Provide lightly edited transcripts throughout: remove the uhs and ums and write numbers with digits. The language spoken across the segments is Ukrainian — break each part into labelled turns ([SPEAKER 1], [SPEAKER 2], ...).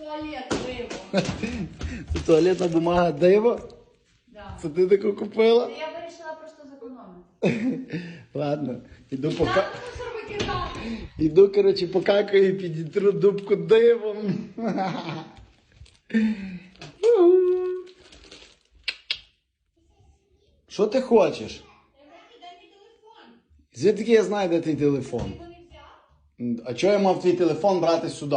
[SPEAKER 1] туалет, диво.
[SPEAKER 2] Це туалетна бумага диво?
[SPEAKER 1] Да.
[SPEAKER 2] Це ти таку купила?
[SPEAKER 1] Я вирішила просто зекономити.
[SPEAKER 2] Ладно, іду
[SPEAKER 1] Так, мусор викидати.
[SPEAKER 2] Іду, коротше, покакаю і підітру дубку дивом. Що ти хочеш? Звідки я знаю, де твій телефон? А чого я мав твій телефон брати сюди?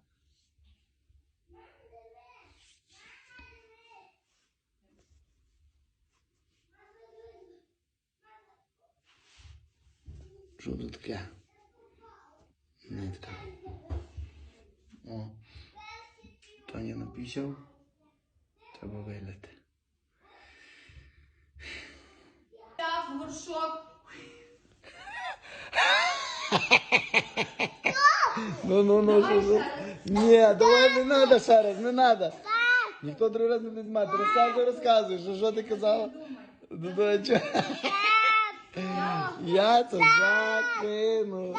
[SPEAKER 2] Що це таке? Нитка. О. Таня написав. Треба виляти.
[SPEAKER 1] Так, горшок.
[SPEAKER 2] Ну, що? Ні, давай не треба ще раз, не треба. Ніхто другий раз не буде мати. Розказуй, що ти казала? Я це закину.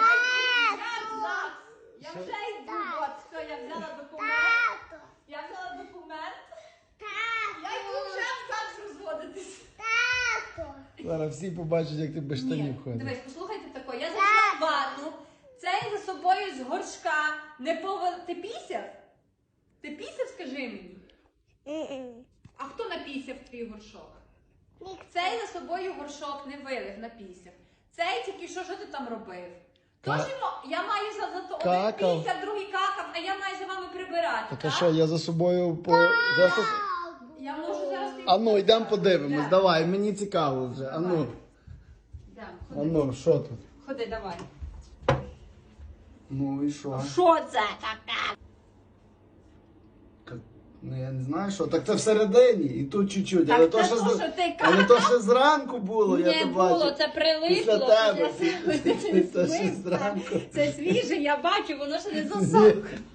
[SPEAKER 1] Я вже йду, от, все, я взяла документ. Я взяла документ. Я йду вже в ЗАГС розводитись.
[SPEAKER 2] Зараз всі побачать, як ти без штанів ходиш.
[SPEAKER 1] Дивись, послухайте тако, я зайшла в ванну, цей за собою з горшка не Ти пісяв? Ти пісяв, скажи мені? А хто напісяв твій горшок? Цей за собою горшок не вилив, напісяв. Цей тільки що ти там робив? Тож я маю за то один пісяв, другий какав, а я маю за вами прибирати,
[SPEAKER 2] Так а що, я за собою по...
[SPEAKER 1] Я можу зараз...
[SPEAKER 2] Ану, йдемо подивимось, давай, мені цікаво вже, ану. Ану, що тут?
[SPEAKER 1] Ходи, давай.
[SPEAKER 2] Ну і що?
[SPEAKER 1] Що це таке?
[SPEAKER 2] Ну я не знаю, що. Так це всередині, і тут чуть-чуть.
[SPEAKER 1] Так
[SPEAKER 2] Але
[SPEAKER 1] це
[SPEAKER 2] то,
[SPEAKER 1] що ти
[SPEAKER 2] але то ще зранку було, я
[SPEAKER 1] Не
[SPEAKER 2] то
[SPEAKER 1] було,
[SPEAKER 2] бачу.
[SPEAKER 1] це прилипло.
[SPEAKER 2] Після тебе.
[SPEAKER 1] Це
[SPEAKER 2] Це ще зранку.
[SPEAKER 1] Це свіже, я бачу, воно ще не засохло.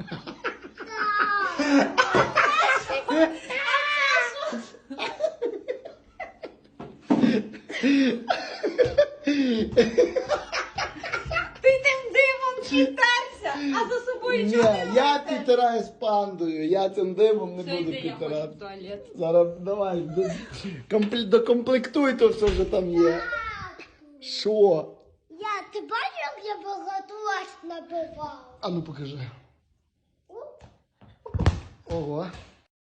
[SPEAKER 1] Ти тим димом підтерся, а за собою
[SPEAKER 2] Ні,
[SPEAKER 1] чого не
[SPEAKER 2] я
[SPEAKER 1] робите?
[SPEAKER 2] підтираю з пандою, я цим димом не
[SPEAKER 1] Все,
[SPEAKER 2] буду
[SPEAKER 1] йди, я хочу в
[SPEAKER 2] підтирати.
[SPEAKER 1] туалет.
[SPEAKER 2] Зараз давай, докомплектуй то все, що там є. Що?
[SPEAKER 3] Ти бачиш, як я багато набивав?
[SPEAKER 2] А ну покажи. Ого.